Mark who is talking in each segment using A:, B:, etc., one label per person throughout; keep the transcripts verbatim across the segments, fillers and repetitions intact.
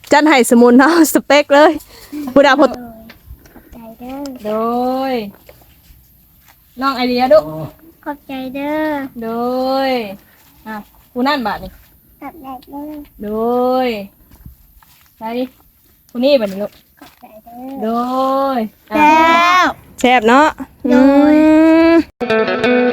A: จัดให้สมุนเนาะสเปคเลยผู้ดาพด
B: ใจเด้อ
A: โดยน้องไอเดียดุ
B: ขอบใจเด้อ
A: โดยอ่ะผู้นั่นบาดนี่
B: ขอบใจเด้อ
A: โดยใช่ผู้นี้บาดนี่ลูก
B: ขอบใจเด้อ
A: โดย
B: แล้ว
A: แซ่บเนาะ
B: โดย
A: อืม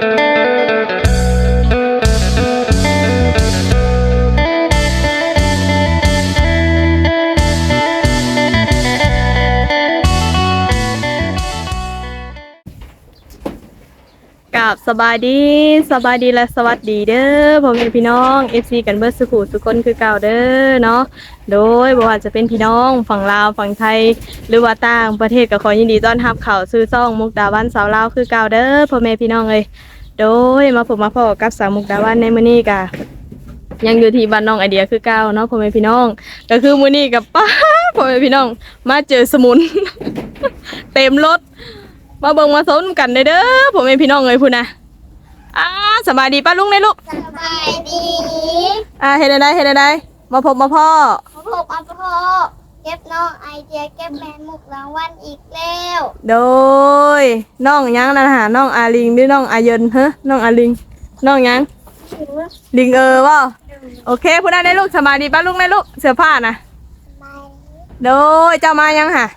A: กับสบายดีสบายดีและสวัสดีเด้อพ่อแม่พี่น้อง เอฟ ซี กันเบิดสุขุสุคนคือเก่าเด้อเนาะโดยบ่ว่าจะเป็นพี่น้องฝั่งลาวฝั่งไทยหรือว่าต่างประเทศก็ขอยินดีต้อนรับเข้าสู่ช่องมุกดาวันสาวลาวคือเก่าเด้อพ่อแม่พี่น้องเอ้ยโดยมาพบมาพบกับสาวมุกดาวันในมื้อนี้ก็ยังอยู่ที่บ้านน้องไอเดียคือเก่าเนาะพ่อแม่พี่น้องก็คือมื้อนี้กับป้าพ่อแม่พี่น้องมาเจอสมุน เต็มรถมาเบิ่งมาสนกันเด้อเด้อพ่อแม่พี่น้องเอ้ยพุ่นน่ะอ่าสบายดีป้าลุงได้ลูก
B: สบายดี
A: อ่าเฮ็ดได้เฮ็ดได้มาพบมาพ่อ
B: พ่อพ่อพ่อเก็บน้องไอเดียเก็บแมนมุกรางวัลอีกแล้ว
A: โดยน้องหยังนั่นหาน้องอาลิงหรือน้องอาเยินเฮ้น้องอาลิงน้องหยังลิงเออบ่โอเคพุ่นได้ได้ลูกสบายดีป้าลุงได้ลูกเสื้อผ้าน่ะ
B: สบาย
A: โดยเจ้ามายังหะ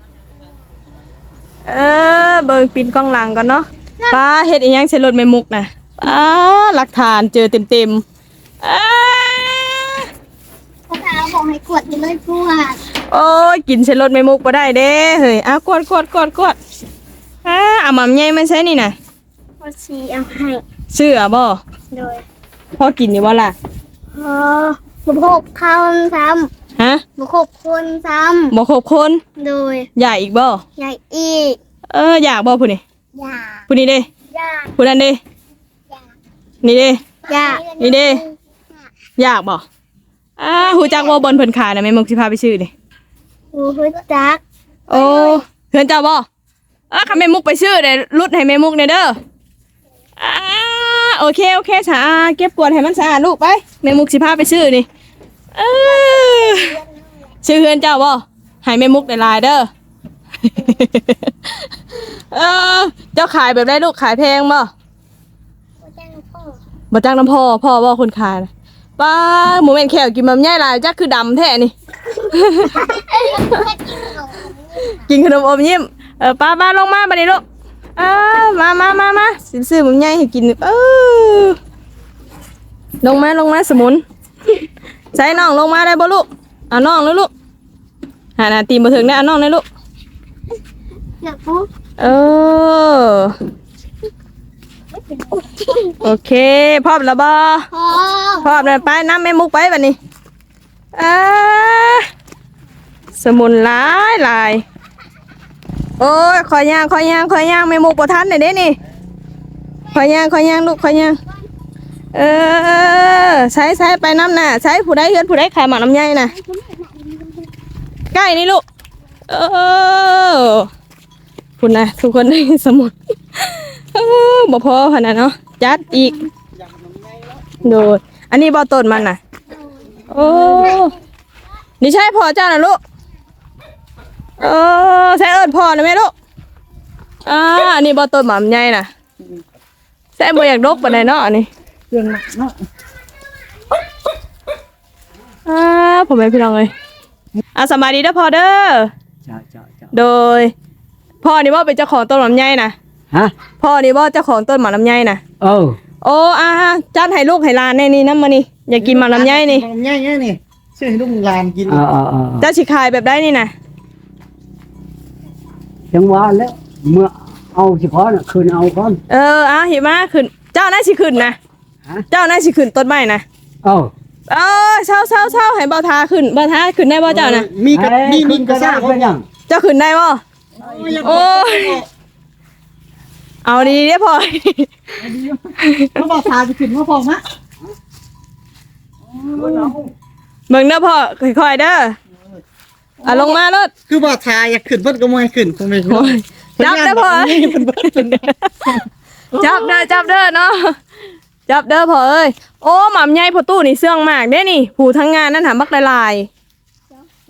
A: เออเบิ่งปินกล้องหลังก่อนเนาะป้าเฮ็ดอีหยังใส่รถแม่มุกน่ะป้าหลักฐานเจอเต็มๆอ้า
B: พ่อพาบอกให้กดไปเลยกวด
A: โอ้ยกินใส่รถไม่มุกบ่ได้เด้เฮ้ยอ่ะกวดกวดกวดกวดอ่าเอาหม่ำใหญ่มาใช้นี่น่ะ
B: พ่อชีเอาให้
A: เชื่อบ่
B: โดย
A: พอกินอยู่บ่ล่ะ
B: พ่อบุกบคำซ้
A: ฮะ
B: ำบุกบคนซ้
A: บ่ครบคน
B: ำโดย
A: อยากอีกบ่
B: อยากอีก
A: เอออยากบ่ผู้นี่
B: อยาก
A: ผู้นี้เด้
B: อยาก
A: ผู้นั้นเด้
B: อยาก
A: นี่เด้
B: อยาก
A: นี่เด้อยากบ่อ่าฮู้จักบ่บนเพิ่นขายน่ะแม่มุกสิพาไปซื้อนี่
B: หูฮึดจัก
A: โอ้เพื่อนเจ้าบ่เออคันแม่มุกไปซื้อเด้รุดให้แม่มุกเด้เด้ออ่าโอเคโอเคจ้าเก็บกวาดให้มันสะอาดลูกไปแม่มุกสิพาไปซื้อนี่เออซื้อเพื่อนเจ้าบ่ให้แม่มุกได้หลายเด้อ เออเจ้าขายแบบได้ลูกขายแพงบ่
B: พ่อจ้างพ่อ
A: บ่จ้างน้ำพ่อพ่อบ่คนขายน่ะป้าหมูแม่นแขวกินมันใหญ่หลายจักคือดำแท้นี่ กินขนมอมยิ้มเออป้าป้าลงมาบัดนี้ลูกเออมามามามาสิซื้อหมูใหญ่ให้กินเออลงมาลงมาสมุน ใส่น้องลงมาได้บ่ลูกเอาน้องเลยลูกหาหน้าตีนบ่ถึงได้เอาน้องเลยลูก
B: อยากปุ๊บ
A: เออโอเคพร้อมแล้วบ่
B: พ่อ
A: พร้อมแล้วไปน้ำแม่มุกไปบัดนี้อ่าสมุนหลายหลายโอ้ยขอย่างขอย่างขอย่างแม่มุกบ่ทันได้เด้นี่ขอย่างขอย่างลูกขอย่างเออใช้ใช้ไปน้ำน่ะใช้ผู้ใดเฮือนผู้ใดขายหมากน้ำใหญ่น่ะใกล้นี่ลูกเออคุณนะทุกคนได้สมุนเออบ่พอขนาดเนาะจัดอีกโดดอันนี้บ่ต้นมันน่ะโอ้นี่ใช่พ่อเจ้าน่ะลูกเออใช่เอิ้นพ่อนะแม่ลูกอ่าอันนี้บ่ต้นหม่ำใหญ่น่ะใช่บ่อยากดกปานใดเนาะอันนี้
C: เครื่องหนักเนาะ
A: อ่าผมเป็นพี่น้องเลยอ่ะสบายดีเด้อพ่อเด้อ
C: จ้าจ้าจ้า
A: โดยพ่อนี่บ่เป็นเจ้าของต้นหม่ำใหญ่น่ะ
C: ฮะ
A: พ่อนี่บ่เจ้าของต้นหม่ำลำไยน่ะ
C: เออ
A: โอ้อาจัดให้ลูกให้หลานแน่นี่นำมานี่อยากกินหม่ำลำไยนี่
D: ลำไยเนี่ยนี่ซื้อให้ลูกหลานกิน
C: เออเออเออ
A: เจ้าสิขายแบบได้นี่น่ะ
C: จังหวะแล้วเมื่อเอาสิพอน่ะคืนเอาก่อน
A: เออเอาหิมาขึ้นเจ้าน่าสิขึ้นนะ
C: ฮะ
A: เจ้าน่าสิขึ้นต้นไม้นะ
C: เออ
A: เออเช้าเช้าเช้าให้เบาทาขึ้นเบาทาขึ้นได้บ่เจ้าน่ะ
D: มีกระมีมีกระ
C: ซ่า
D: ซ่า
C: เป็นหยัง
A: เจ้าขึ้นได้บ่โอ้ยเอาดีเด้อพ่อ
D: เขาบอกทาจะขึ้นมาพอมะ
A: เบิ่งเด้อพ่อค่อยๆเด้ออ่ะลงมารถ
D: คือบอกทาอยากขึ้นเพิ่นก็ไม่ให้ขึ้นคงไม่ขึ้น
A: จับเด้อพ่อ
D: นี่เพิ่นเพิ่นเป็น
A: จับเด้อจับเด้อเนาะจับเด้อพ่อเอ้ยโอ้หม่ำใหญ่พ่อตู้นี่เสื่องมากเด้นี่ผู้ทั้งงานนั่นหาบักหลายๆ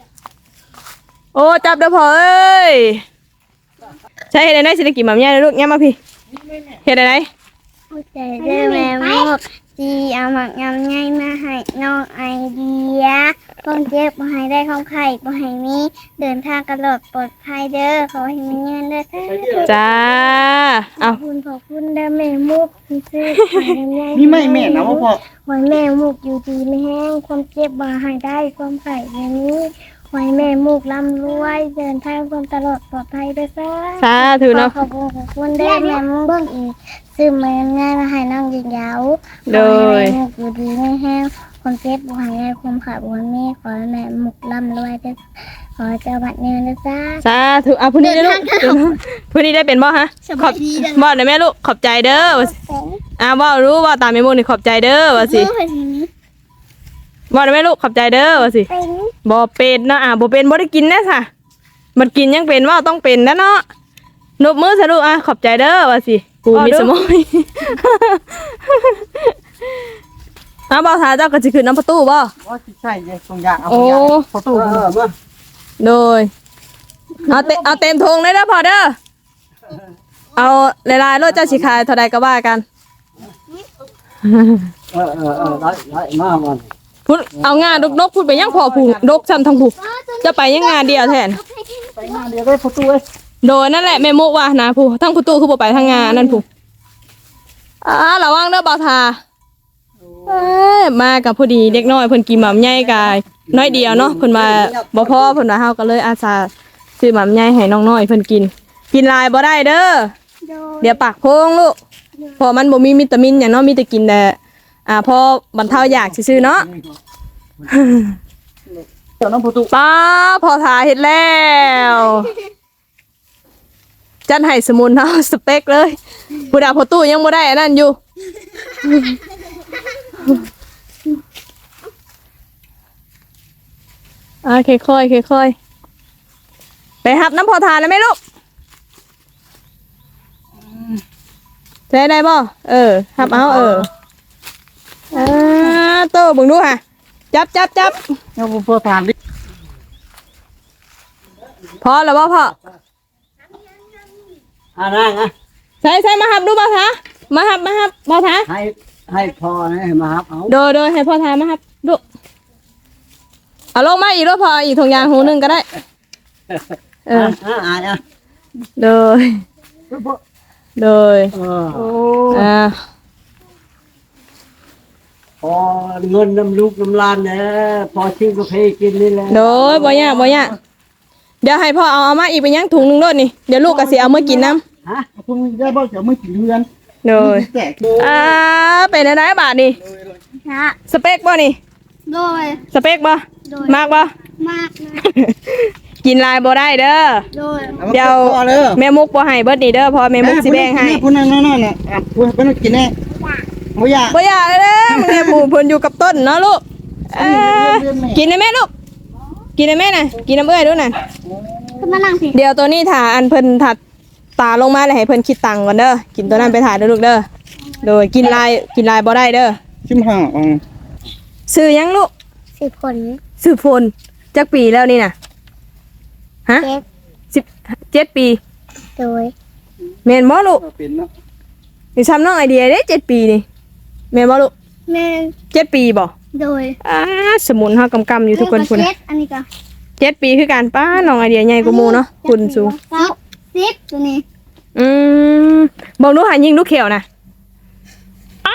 A: โอ้จับเด้อพ่อเอ้ยใช่เฮ็ดได้สิได้กินหม่ำใหญ่เลยลูกย่ามาพี่เฮ็ดได้
B: พูดใจเด้อแม่มุกจีเอาหมักยำไงมาให้น้องไอเดียต้องเจ็บบ่ให้ได้ของไข่บ่ให้มีเดินทางกระโดดปลอดภัยเด้อขอให้มีเงินเด้อ
A: จ้า
B: ข
A: เอา
B: อบคุณขอบคุณเด้อแม่มุกที่ซื้อขายยำไง
D: มีไม่แม่นะว่าพ่อ
B: หอยแม่มุกอยู่ดีไม่แห้งความเจ็บบ่ให้ได้ความไข่อย่างนี้หอยแม่มุกร่ำรวยเดินทางความตลอดปลอดภัยเด้อจ้า
A: สาธุเนาะ
B: ขอบคุณขอบคุณเด้อแม่มุกเบิ่งอีกซื้อมาง่ายมาให้น้องยิงยาว
A: โดย
B: ขอให้แม่มุกอยู่ดีไม่แห้งความเจ็บบ่ให้ได้ความขาดบ่ให้มีขอให้แม่มุกร่ำรวยเด้อขอให้เจ้าบัดเงินเด้อจ้า
A: สาธุเอาผู้นี้ได้อลูกผู้นี้ได้เป็นบ่ฮะขอบบ่ได้แม่ลูกขอบใจเด้อว่าสิอ่าบ่รู้ว่าตามแม่มุกนี่ขอบใจเด้อว่าสิบ่ได้แม่ลูกขอบใจเด้อว่าสิ
B: เป็น
A: บ่เป็นเนาะอ่าบ่เป็นบ่ได้กินแน่ซะมันกินยังเป็นว่าต้องเป็นนะเนาะนบมือซะลูกอ่ะขอบใจเด้อว่าสิกูมีสมองอ้าวบ่าวทาเจ้าก็สิขึ้นน้ำประตูบ่
D: ว่าสิใช่เลยตรงยางเอา
A: โอ้
D: ตรงยางประตู
C: เออมา
A: โดยเอาเตเอาเต็มทงเลยเด้อพอเด้อเอาหลายๆรถเจ้าสิขายเท่าใดก็ว่ากัน
C: เออเออเออไล่ไล่มามัน
A: พูดเอางานดกนกพูดไปยังพอผูดกซ้ำทั้งผูจะไปยังงานเดียวแทน
D: ไปงานเดียวได้ประตูเอ้ย
A: โดยนั่นแหละแม่มุกว่านะผูทั้งประตูคือบ่ไปทางงานนั่นผูอ่าระวังเด้อบ่าวทาเอ้ยมากับพอดีเด็กน้อยเพิ่นกินหม่ำใหญ่กายน้อยเดียวเนาะเพิ่นมาบ่พอเพิ่นว่าเฮาก็เลยอาสาซื้อหม่ำใหญ่ให้น้องน้อยเพิ่นกิน กินหลายบ่ได้เด้อ
B: โดย
A: เดี๋ยวปากโพงลูกเพราะมันบ่มีวิตามินหยังเนาะมีแต่กินแต่อ่าพอบรรเทาอยากซื่อๆเนาะ
D: เดี๋ยวน้องประตู
A: ป้าพอทาเฮ็ดแล้วจันให้สมุนเฮาสเปคเลยผู้ดาพอตู้ยังบ่ได้อันนั้นอยู่อ่าค่อยๆค่อยๆไปหับน้ำพอทานนะแม่ลูกใช้ได้บ่เออหับเอาเอออ่าโตเบิ่งดูค่ะจับจับจับ
D: เอาพ่อทานดิ
A: พอแล้วบ่พ่อ
C: อ่านั่งอ่ะ
A: ใส่ใส่มาหับดูบ่ทามาหับมาหับบ่ทา
C: ให้ให้พอนะให้มาครับเอา
A: โดยโดยให้พ่อทามาหับดูเอาลงมาอีกแล้วพออีกถุงยางหูหนึงก็ได้เออ
C: อ่าอ่าอ่ะ
A: โดยโดย
C: เออ
D: โอ้
A: อ่า
C: พอเงินน้ำลูกน้ำลานเนี่ยพอชิ้นกาแฟกินนี่แหละ
A: โดยบ่ยากบ่ยากเดี๋ยวให้พ่อเอาเอามาอีกไปยังถุงหนึงโดดนี่เดี๋ยวลูกก็สิเอามากินน้
C: ฮะ
D: คุณได้บ่เดี๋ยวไม่กินเรือน
A: ำโดย
D: แจก
A: อ่าเป็นอะไรบาทนี่
B: นะ
A: สเปคบ่นี่
B: โดย
A: สเปคบ่
B: โดย
A: มากบ่
B: มากนะ
A: กินลายบ่ได้เด้อ
B: โดย
A: เดี๋ยวแม่มุกบ่ให้เบิดนี่เด้อเพอแม่มุกสิแบ่งให้
D: คุณนั่นนั่นน่ะอ่ะคุณเป็นกินแน่บ่อยาก
A: บ่อยากเลยเด้อมึงเนี่ยปู่เพิ่นอยู่กับต้นเนาะลูกเอ้อกินได้แม่ลูกกินได้แม่น่ะกินน้ำเอ้ยดูน่ะ
B: ขึ้นมานั่งสิ
A: เดี๋ยวตัวนี้ถ่าอันเพิ่นถัดตาลงมาแล้วให้เพิ่นคิดตังค์ก่อนเด้อกินตัวนั้นไปถ่ายเด้อลูกเด้อโดยกินลายกินลายบ่ได้เด้อ
D: ชิมห่าอ๋อ
A: ซื้อหยังลูก
B: สิบคน
A: ซื้อโฟนจักปีแล้วนี่น่ะฮะ
B: เจ็บ
A: สิบเจ็ดปี
B: โดย
A: แม่นบ่ลูก
D: เป็นเนาะ
A: นี่ซ้ำน้องไอเดียเด้เจ็ดปีนี่แม่นบ่ลูก
B: แม่
A: เจ็ดปีบ่
B: โดย
A: อ่าสมุนเฮากำกำอยู่ทุกคนพุ่น
B: เจ็
A: น่ะ
B: ดอันนี้ก็
A: เจ็ดปีคือกันป้าน้องไอเดียใหญ่กว่าหมู่เนาะคุณสูง
B: สิบสิบตัวนี้
A: อืมบอกลูกหายิงลูกเขียวนะอ้า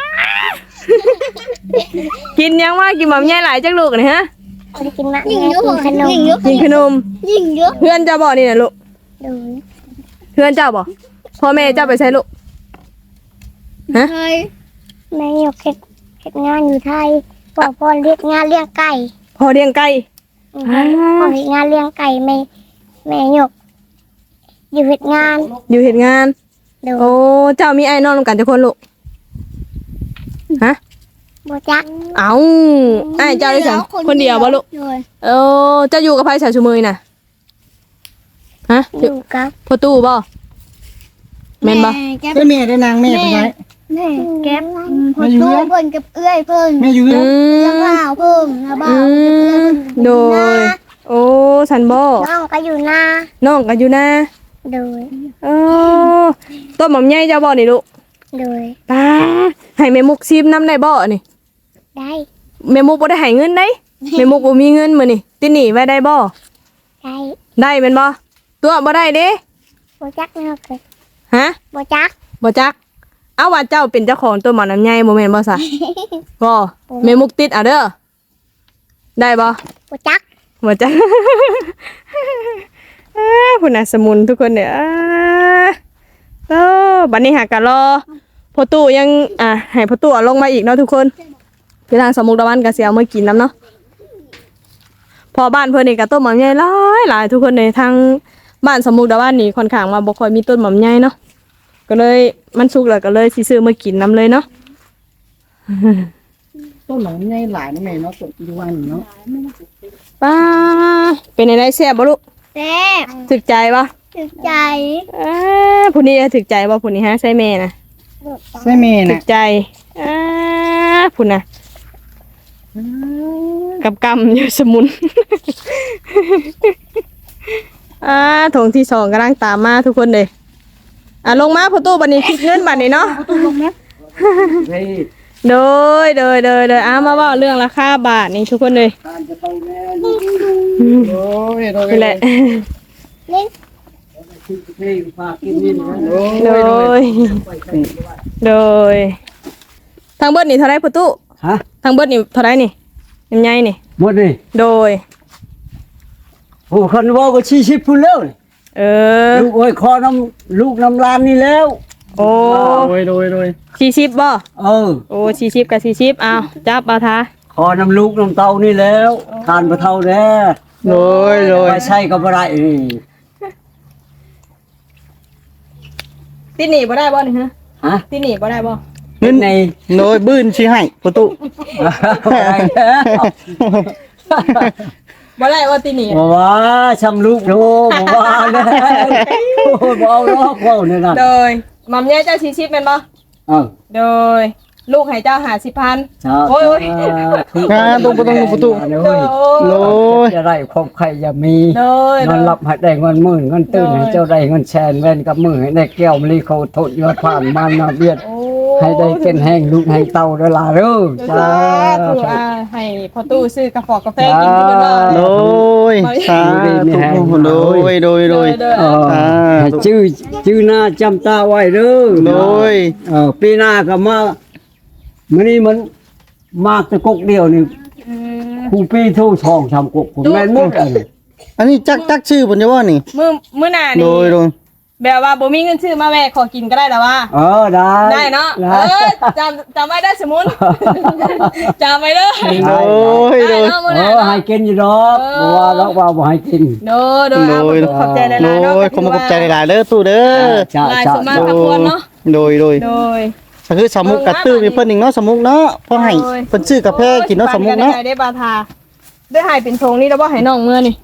A: กินยังว่ากินแบบใหญ่หลายจักลูกนี่ฮะ
B: เอาไปกินมะยิงเยอะขนมยิงเยอะ
A: กินขนม
B: ยิงเยอะ
A: เพื่อนเจ้าบอกนี่นะลูก
B: โดย
A: เพื่อนเจ้าบอกพ่อแม่เจ้าไปใช้ลูกฮะ
B: เคยแม่ยกเฮ็ดเฮ็ดงานอยู่ไทยพ่อพ่อเรียกงานเลี้ยงไก่
A: พ่อเลี้ยงไก่
B: พ่อเฮ็ดงานเลี้ยงไก่แม่แม่ยกอยู่เฮ็ดงาน
A: อยู่เห็นงาน
B: โดย
A: โอ้เจ้ามีไอ้นอนกันจะคนลูกฮะ
B: บ่จัก
A: เอาไอ้เจ้าได้สังคนเดียวบ่ลูก
B: โดย
A: เออเจ้าอยู่กับไผสาวชูมือน่ะฮะ
B: อยู่กับ
A: พ่อตู้บ่แม่นบ่
B: แก็บ
D: ได้แม่ได้นางแม่ไปไหน
B: แม่แก็บพ่อตู้เพิ่นกับเอื้อยเพิ่น
D: แม่อยู่
A: อื
D: เรือน
B: แล้ว
A: ม
B: บ่าวเพิ่นแล้วบ่า
A: อื
B: ว
A: มโดยโอ้สันบ่
B: น้องก็อยู่หน้า
A: น้องก็อยู่นะ
B: โดย
A: เออต้นหม่อมใหญ่เจ้าบ่นี่ลูก
B: โดย
A: ตาให้แม่มุกซิมน้ำได้บ่นี่
B: ได้
A: แม่มุกบ่ได้ให้เงินได้แม่มุกบ่มีเงินมื้อนี่ติหนีไว้ได้บ่
B: ได้
A: ได้แม่นบ่ตัวบ่ได้เด้
B: โบจักเนาะเกิด
A: ฮะ
B: โบจัก
A: บ่จักเอาว่าเจ้าเป็นเจ้าของต้นหม่อน้ำใหญ่บ่แม่นบ่ซะบ่แม่มุกติดเอาเด้อได้บ่
B: โบจัก
A: บ่จัก เอ้อพุ่นน่ะสมุนทุกคนเด้ออ่าเออบัดนี้หากะรอพ่อตู้ยังอ่ะให้พ่อตู้เอาลงมาอีกเนาะทุกคนคือทางสมุกตะวันก็สิเอามากินนํเนาะพอบ้านเพิ่นนี่ก็ต้นหม่อมใหญ่หลายหลายทุกคนเลยทางบ้านสมุกตะวันนี่ค่อนข้างว่าบ่ค่อยมีต้นหม่อมใหญ่เนาะก็เลยมันสุกแล้วก็เลยสิซื้อมากินนํเลยเนาะ
D: ต้นหนองใหญ่หลายนะแม่เนาะต้นอีวันเนาะ
A: ป้าเป็นอะไรแซ่บบ่ลูก
B: แซ่บ
A: ถึกใจบ่
B: ถึกใจ
A: อ่าผู้นี้ถึกใจบ่ผู้นี้ฮะใช่แม่นะ
D: ใช่แม่
A: ถึ
D: น่ะ
A: กใจอ่าผู้น่ะกับกำอยู่สมุน อ่าถงที่สองกำลังตามมาทุกคนเลยอ่ะลงมาพ่อตู้บัดนี้คิดเงินบัดนี้เนาะ
C: เฮ้ย
A: โดยโดยโดยโดยอ่ามาเว่าเรื่องราคาบาทนี่ทุกคนเลย
C: ทานจะไปแม่
D: โอ้ยโดย
A: นี่แหละ
B: นี่
C: ที่เพลงฝากกินนี่นะ
A: โดยโดยทางเบิดนี่เท่าไรพ่อตู้
C: ฮะ
A: ทางเบิดนี่เท่าไรนี่ยังไงนี่
C: หมดเลย
A: โดย
C: โอ้คนว่าก็ชี้ชิบพูดแล้ว
A: เออ
C: ลูกโอ้ยคอน้ำลูกน้ำลานนี่แล้ว
A: โอ้
D: โดยโดยโดย
A: ชีชิปบ่
C: เออ
A: โอ้ชีชิปกับชีชิปเอาจับเอาทา
C: คอน้ำลูกน้ำเต้านี่แล้วทานปลาเท่าแน่
D: โดยโดย
C: ไปใช่ก็บ่ได้นี่
A: ติหนีบ่ได้บ่นี่ฮะ
C: ฮะ
A: ติหนีบ่ได้บ่
C: เงินใน
D: โดยบื้นชี้ให้ประตู
C: บ่ได้แล้ว
A: บ่ได้ว่าติหนี
C: บ่ว่าชำลูกโธบ่ว่าแล้วโอ้บ่เอาหรอกเว้าเนี่ยน่ะ
A: โดยหม่อมใหญ่เจ้าชีชิปเป็นบ่
C: เออ
A: โดยลูกให้เจ้าหาสิบพัน
C: ชา
A: โอ้ยโอ้ย
D: อ่าตรงประตูประตู
A: โด
C: โอ้
A: ย
C: ยจะได้ครบใครอย่ามี
A: โดย
C: เงินรับให้ได้เงินหมื่นเงินตื่นให้เจ้าได้เงินแสนแว่นกับมือให้ได้แก้วมะลิเขาโทษยอดผ่านมานาเบียด
A: โอ้
C: ให้ได้เป็นแห้งลูกแห้งเต้าเด้อล่ะเด้อ
A: จ้า
C: จ้า
A: ถูกอ่าให้พ่อตู้ซื้อกาแฟกาแฟกินที่เป็นบ่
D: โดยสาธุโดยโดยโดย
A: โดย
C: เออให้ชื่อชื่อหน้าจำตาไว้เด้อ
D: โดย
C: เออปีหน้าก็มามื้อนี้มันมากแตะกกเดียวนี่
A: อืม
C: ครูปีโทช่องทำกกผมแม่นหมดอันนี้
D: อันนี้จักจักชื่อผมจะว่านี่
A: มื้อมื้อหน้า
D: โด
A: นี่
D: ยโดย
A: แบบว่าบ่มีเงินซื้อมาแวะขอกินก็ได้แล้วว่า
C: เออได้
A: ได้เนาะ
C: ได้
A: เออจำจำไว้ได้อสมุน จำไว้เด้อ
D: โดยโด
A: ได้
D: ย
A: เนาะมื้อ
C: เอ
A: หน้า
C: อ
A: เนาะ
C: ให้กินอยู่ดอกบ่ว่าดอกว่าบ่ให้กิน
A: โดยโดยเอา
D: โดย
A: ขอบใจหลายๆ
D: โด
A: เนาะ
D: ยขอมาขอบใจหลายๆเด้อตู้เด้อ
C: จ้า
A: หลาย
C: จ้า
A: สมมาพระควรเนาะ
D: โดยโดย
A: โดย
D: ก็คือสมุกกระตื้อมีเพิ่นอีกเนาะสมุกเนาะพอให้เพิ่นซื้อกาแฟกินเนาะสมุกเนาะ
A: ได้บาทาได้ให้เป็นทงนี่แล้วบ่ให้น้องเมื่อนี่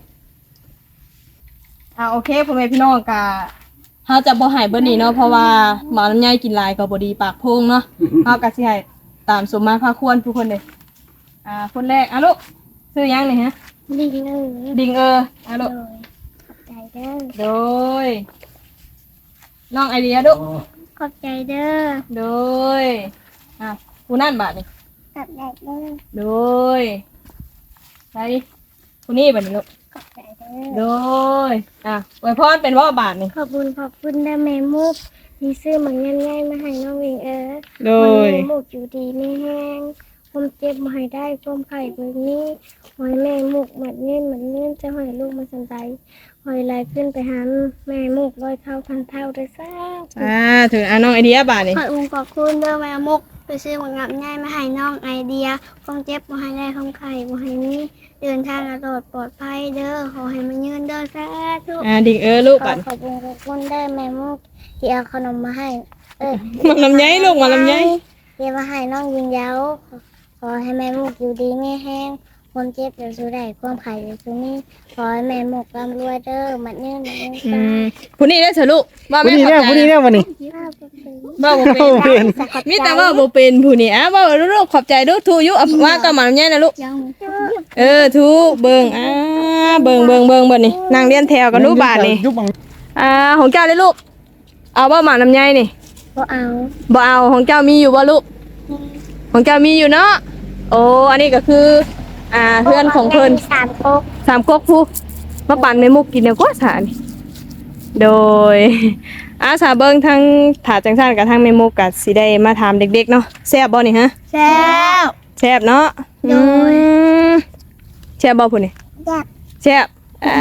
A: อ่าโอเคพ่อแม่พี่น้องกะเฮาจะบ่ให้เบิดนี่เนาะเพราะว่าหมาลำไยกินหลายก็บ่ดีปากโพงเนาะเฮาก็สิให้ตามสมมาพระควรทุกคนเลยอ่าคนแรกอ่ะลูกชื่อหยังนี่ฮะ
B: ดีเลย
A: ดิงเอออ่ะ
B: โด
A: ลูก
B: ยขอบใจเด้อ
A: โดยน้องไอเดียลูก
B: ขอบใจเด้อ
A: โดยอ่ะผู้นั่นบาดนี่
B: ขอบใจเด้อ
A: โดยไปผู้นี้บาดนี่ลูก
B: ขอบใจเด้อ
A: โดยอ่ะไว้พรเป็นว่าบาทนี่
B: ขอบคุณขอบคุณได้แม่มุกที่ซื้อมันง่ายๆมาให้น้องวิงเออ
A: โดย
B: แม่มุกอยู่ดีไม่แห้งความเจ็บมาให้ได้ความไข่เบิกนี้หอยแม่มุกเหมือนเงินเหมือนเงินจะหอยลูกมาสันใจหอยลายขึ้นไปหาแม่มุกร้อยเท่าพันเท่าได้ซ่า
A: อ่าถึงอ่ะน้องไอเดียบาทนี่
B: ขอบคุณขอบคุณเด้อแม่มุกไปซื้อมันงับง่ายมาให้น้องไอเดียความเจ็บมาให้ได้ความไข่มาให้นี้เดินทางตลอดปลอดภัยเด้อขอให้มันยืนเด้อสาธุ
A: อ่าดิงเออลูก
B: ข
A: บา
B: อ
A: ท
B: ขอบคุณขอบคุณได้แม่มุกที่เอาขนมมาให้ เออ
A: มันลำไยลูกมันลำไย
B: ที่มาให้น้องยิงยาวขอให้แม่มุกอยู่ดีไม่แห้งความเจ็บอย่าสู้ได้ความไข่อย่าสู้นี่ขอให้แม่มุกร่ำรวยเด้อมันเนื่อมันเนื่อ
A: อื
B: ตาม
A: ผู้นี้ได้เถอะลูกว่า
D: ผู้
A: แม่
D: นี้
A: ขอบ
D: เนี่ย
A: ใจ
D: ผู้นี้เนี่ยวันนี้
B: ข้าวเป็น
A: ว่าบ่เป็นมีแต่ว่าบ่เป็นผู้นี้อ่ะว่าลูกขอบใจลูกทูอยู่อ่ะว่าก็มันลำไยนะลูก
B: ยัง
A: เออทูเบิ่งอ่าเบิ่งเบิ่งเบิ่งเบิ่งนี่นั่งเรียนแถวกันลูกบาทนี่
D: ยุบบัง
A: อ่าของเจ้าเลยลูกเอาบ่หมาน้ำใยนี่
B: บ่เอา
A: บ่เอาของเจ้ามีอยู่บ่ลูกของเจ้ามีอยู่เนาะโอ้อันนี้ก็คืออ่าเพื่อนของเพิ่น
B: สามก๊ก
A: สามก๊กผู้มาปั่นในมุกกินเดี๋ยวก็สานี่โดยอาสาเบิ่งทั้งถาจังซั่นกับทั้งเมมุกกับสิได้มาถามเด็กๆเนาะแซ่บบ่นี่ฮะ
B: แซ่บ
A: แซ่บเนาะ
B: โดย
A: อืมแซ่บบ่พุ่นนี่
B: แซ่บ
A: แซ่บอ่า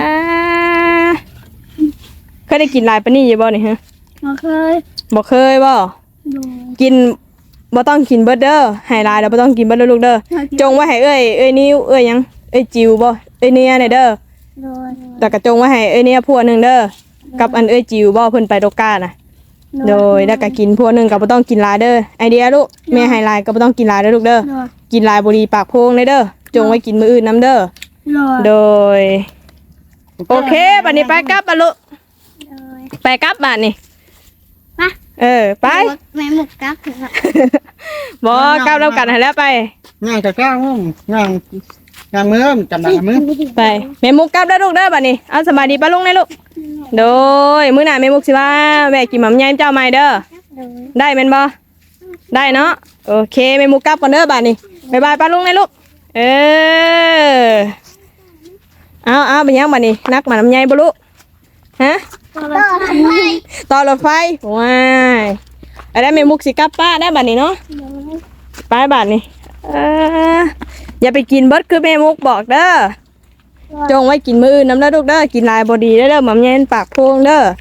A: เคยได้กินหลายปานนี้อยู่บ่นี่ฮะ
B: บ่เคย
A: บ่เคยบ่
B: ดู
A: กินบ่ต้องกินเบิดเด้อให้หลายแล้วบ่ต้องกินเบิดเด้อลูกเด้อจงไว้ให้เอ้ยเอ้ยนิ้วเอ้ยหยังเอ้ยจิวบ่เอ้ยเนี่ยเนี่ยเด้อ
B: โดย
A: แต่ก็จงไว้ให้เอ้ยเนี่ยพวกนึงเด้อกับอันเอ้ยจิวบ่เพิ่นไปโดกาน่ะโดยแล้วก็กินพวกนึงก็บ่ต้องกินหลายเด้อไอเดียลูกแม่ให้หลายก็บ่ต้องกินหลายเด้อลูกเด้อ
B: โดย
A: กินหลายบ่ดีปากโพงเลยเด้อจงไว้กินมื้ออื่นนํเด้อ
B: โดย
A: โดยโอเคบัดนี้ไปกลับบ่ลูก
B: โดย
A: ไปกลับบัดนี้
B: มา
A: เออไป
B: แม่หมุกกลับถึงละ
A: บ่กลับแล้วกันให้แล้วไป
D: ง่ายจะกล้างง่ายงานมือจำได้มือ
A: ไปแม่มุกกลับได้อลูกเด้อบัดนี้เอาสบายดีป้าลุงนะลูกโดยมื้อหน้าแม่มุกสิว่าแม่กินหม่ำยายเจ้าใหม่เด้อ
B: โดย
A: ได้แม่นบ่ได้เนาะโอเคแม่มุกกลับก่อนเด้อบัดนี้บ๊ายบายป้าลุงนะลูกเออเอาเอาไปยังบัดนี้นักหมาหม่ำยายบ่ลูกฮะ
B: ต่อทำไม
A: ต่อรถไฟว้ายเอาได้แม่มุกสิกลับป้าได้บัดนี้เนาะไปบัดนี้เอออย่าไปกินเบิดคือแม่มุกบอกเด้อ จงไว้กินมื้ออื่นน้ำเด้อลูกเด้อกินหลายบ่ดีเด้อเด้อหม่ำแยนปากโพงเด้อ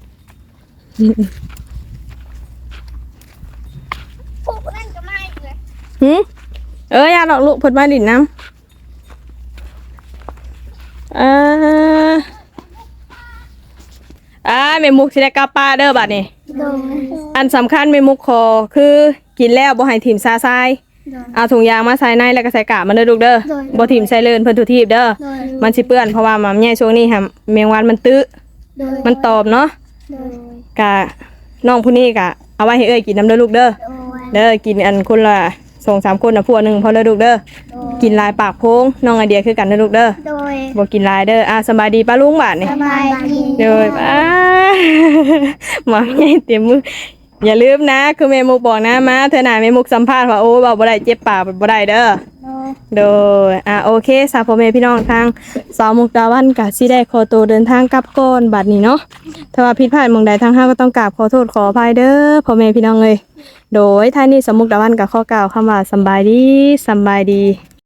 B: ปุ๊บนั่นก็ไม่เลย
A: หึเอ้ยอย่าหรอกลูกเพิ่นมาดินน้ำเอ่ออ่าแม่มุกสิได้กลับป้าเด้อบัดนี้
B: โดย
A: อันสำคัญแม่มุกขอคือกินแล้วบ่ให้ถิ่มซาทราย
B: โดย
A: เอาถุงยางมาใส่ในแล้วก็ใส่กาบมันเด้อลูกเด้อ
B: โดย
A: บ่ถิ่มใส่เลินเพิ่นทุทีบเด้อ
B: โดย
A: มันสิเปื้อนเพราะว่าหม่ำแยช่วงนี้ค่ะแมงวันมันตื้อ
B: โดย
A: มันตอบเนาะ
B: โดย
A: กะน้องผู้นี้กะเอาไว้ให้เอ้ยกินน้ำเด้อลูกเด้อ
B: โดย
A: เด้อกินอันคนละสองสามคนนะพวกหนึ่งพอเด้อลูกเด้อ
B: โดย
A: กินหลายปากโพงน้องไอเดียคือกันเด้อลูกเด้อ
B: โดย
A: บ่กินหลายเด้ออ่ะสบายดีป้าลุงบาดนี่
B: สบายดี
A: เด้อป้า หมาใหญ่เต็มมืออย่าลืมนะคือแม่มุกบอกนะมาเธอหน่าแม่มุกสัมภาษณ์ว่าโอ้เว้าบ่ได้เจ็บปากบ่ได้เด้อ
B: โดย
A: โดยอ่ะโอเคสาวพ่อแม่พี่น้องทางสาวมุกดาวันกะสิได้ขอตัวเดินทางกลับก่อนบัดนี้เนาะถ้าว่าผิดพลาดหม่องใดทางห้าก็ต้องกราบขอโทษขออภัยเด้อพ่อแม่พี่น้องเอ้ยโดยท่านี้สาวมุกดาวันก็ขอกล่าวคำว่าสำบายดีสำบายดี